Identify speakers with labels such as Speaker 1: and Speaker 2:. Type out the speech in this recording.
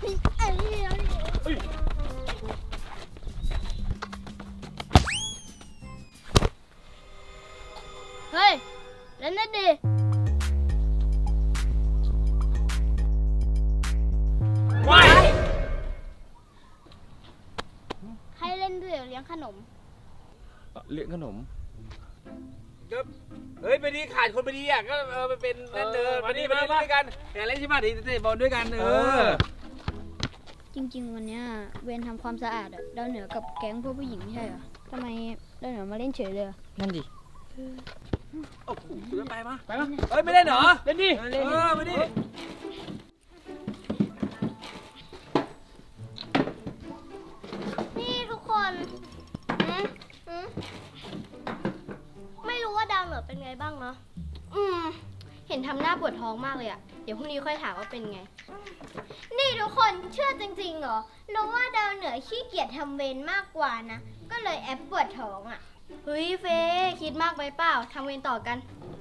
Speaker 1: เฮ้ยเล่นนั่นดิ
Speaker 2: ว้าย
Speaker 1: ใครเล่นด้วยเลี้ยงขนม
Speaker 3: เลี้ยงขนม
Speaker 2: ก็เฮ้ยไปดีขาดคนไปดีอ่ะก็ไปเป็นนั่นเดินมาดีมาด้วยกันแต่เล่นที่บ้านทีเตะบอลด้วยกัน
Speaker 1: จริงๆวันเนี้ยเวรทำความสะอาดอะดาวเหนือกับแก๊งพวกผู้หญิงไม่ใช่เหรอทำไมดาวเหนือมาเล่นเฉยเลยอะ
Speaker 3: นั่นดิ
Speaker 2: โอ้โหไปมาเฮ้ยไม่เล่นเหรอ
Speaker 3: เล่นดิ
Speaker 2: มาดิ
Speaker 1: นี่ทุกคนไม่รู้ว่าดาวเหนือเป็นไงบ้างเนาะเห็นทำหน้าปวดท้องมากเลยอะเดี๋ยวพรุ่งนี้ค่อยถามว่าเป็นไง นี่ทุกคนเชื่อจริงๆเหรอรู้ว่าดาวเหนือขี้เกียจทำเวรมากกว่านะก็เลยแอบปวดท้องอะเฮ้ยเฟคิดมากไปเปล่าทำเวรต่อกัน